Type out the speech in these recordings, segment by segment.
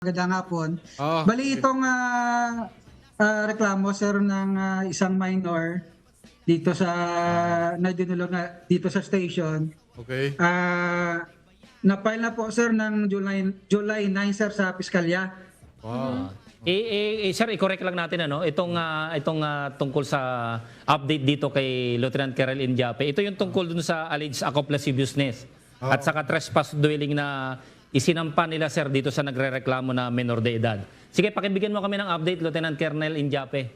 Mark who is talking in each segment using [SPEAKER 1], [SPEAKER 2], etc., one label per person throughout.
[SPEAKER 1] Magandang hapon.
[SPEAKER 2] Oo.
[SPEAKER 1] Bali itong reklamo sir ng isang minor dito sa na dinulog na dito sa station.
[SPEAKER 2] Okay.
[SPEAKER 1] Na-file na po sir ng July 9 sir sa piskalya.
[SPEAKER 2] Wow.
[SPEAKER 3] Sir, i-correct lang natin tungkol sa update dito kay Lieutenant Colonel Indiape. Ito yung tungkol dun sa alleged accomplice business at saka trespass dwelling na isinampa nila sir dito sa nagrereklamo na menor de edad. Sige, pakibigyan mo kami ng update, Lieutenant Colonel Indiape.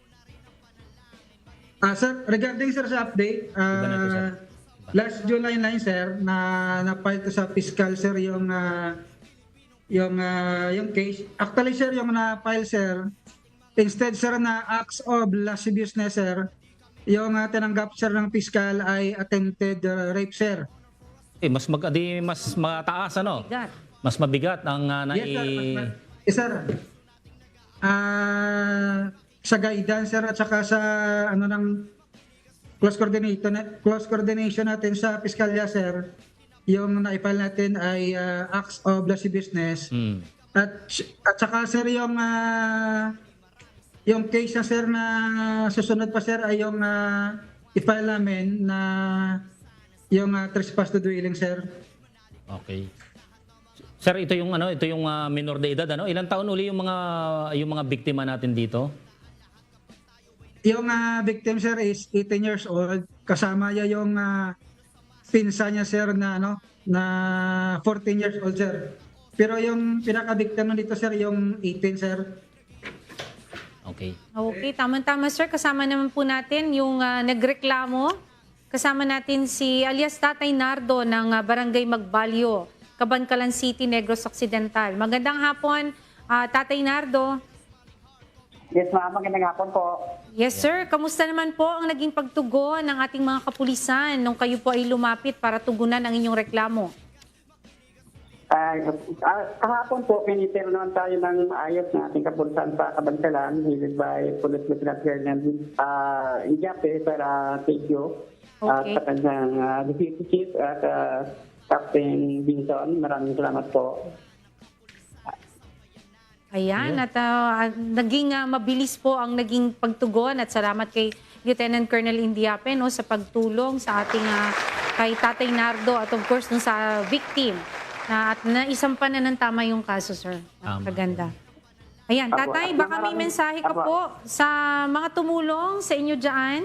[SPEAKER 1] Sir, regarding sir sa update,
[SPEAKER 3] Iba na ito, sir.
[SPEAKER 1] last July 9 sir na-file to sa fiscal sir yung case. Actually sir, yung na-file sir, instead sir na acts of lascivious business sir, yung tinanggap sir ng fiscal ay attempted rape sir.
[SPEAKER 3] Mas mataas ano?
[SPEAKER 4] Bigat.
[SPEAKER 3] Mas mabigat ang
[SPEAKER 1] Yes sir. Sa guidance sir at saka sa ng close coordination natin sa piskalya sir, yung na-file natin ay acts of lascivious business. At saka sir yung case na sir na susunod pa sir ay yung i-file namin na yung trespass to dwelling sir.
[SPEAKER 3] Okay. Sir, ito yung minor de edad ano? Ilang taon uli yung mga biktima natin dito?
[SPEAKER 1] Yung victim sir is 18 years old, kasama niya yung pinsa niya sir na 14 years old sir. Pero yung pinaka-victim dito sir yung 18 sir.
[SPEAKER 3] Okay.
[SPEAKER 4] Okay, tama-tama sir. Kasama naman po natin yung nagreklamo. Kasama natin si alias Tatay Nardo ng Barangay Magbalyo, Cabancalan City, Negros Occidental. Magandang hapon, Tatay Nardo.
[SPEAKER 5] Yes, ma'am. Magandang hapon po.
[SPEAKER 4] Yes sir, kamusta naman po ang naging pagtugon ng ating mga kapulisan nung kayo po ay lumapit para tugunan ang inyong reklamo?
[SPEAKER 5] Kahapon po, pinitero naman tayo ng maayos na ating kapulisan sa Cabancalan, headed by Police Lieutenant Colonel Indiape, sir, thank you. At
[SPEAKER 4] Okay.
[SPEAKER 5] sa kanyang Deputy Chief at Captain Binson, maraming salamat po.
[SPEAKER 4] Ayan, at naging mabilis po ang naging pagtugon at salamat kay Lieutenant Colonel Indiape sa pagtulong sa ating kay Tatay Nardo at of course sa victim at naisampa na ng tama yung kaso, sir. Kaganda. Ayan, Tatay, baka may mensahe ka po sa mga tumulong sa inyo dyan?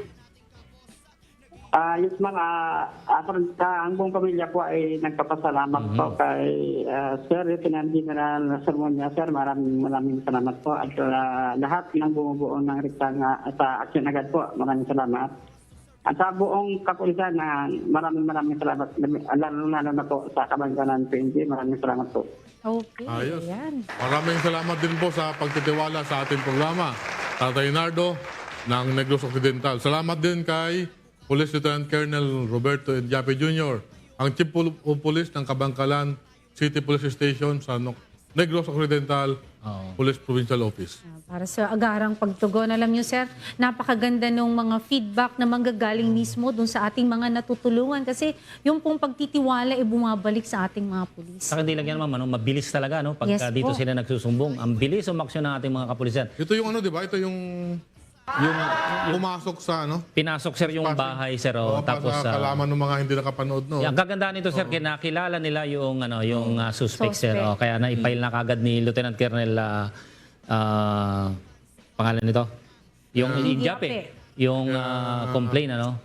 [SPEAKER 5] Yes, ma'am. Ang buong pamilya po ay nagpapasalamat po kay Sir Lieutenant General Sermonia. Sir, maraming salamat po. At lahat ng bumubuo ng rektang sa aksyon agad po, maraming salamat. At sa buong kapulisan, maraming salamat. Lalo na po sa Cabancalan PNP, maraming salamat po.
[SPEAKER 4] Okay,
[SPEAKER 2] Ayos.
[SPEAKER 4] ayan.
[SPEAKER 2] Maraming salamat din po sa pagtitiwala sa ating programa. Tatay Nardo ng Negros Occidental. Salamat din kay Police Lieutenant Colonel Roberto Indiape Jr., ang Chief of Police ng Cabancalan City Police Station sa Negros Occidental Police Provincial Office.
[SPEAKER 4] Para sa agarang pagtugon, alam niyo sir, napakaganda ng mga feedback na manggagaling mismo dun sa ating mga natutulungan kasi yung pong pagtitiwala ay bumabalik sa ating mga pulis.
[SPEAKER 3] Saka hindi lang yan, ma'am, mabilis talaga pagka
[SPEAKER 4] Yes
[SPEAKER 3] dito
[SPEAKER 4] po.
[SPEAKER 3] sila nagsusumbong. Ang bilis umaksyon ng ating mga kapulisan.
[SPEAKER 2] Ito yung di ba? Ito yung pumasok sa
[SPEAKER 3] Pinasok sir yung bahay sir tapos
[SPEAKER 2] sa kalaman ng mga hindi nakapanood
[SPEAKER 3] ang kagandahan nito sir, kinakilala nila yung suspect sir.
[SPEAKER 4] Suspect.
[SPEAKER 3] Kaya na-file na kagad ni Lieutenant Colonel pangalan nito? Yung Indiape. Yung complaint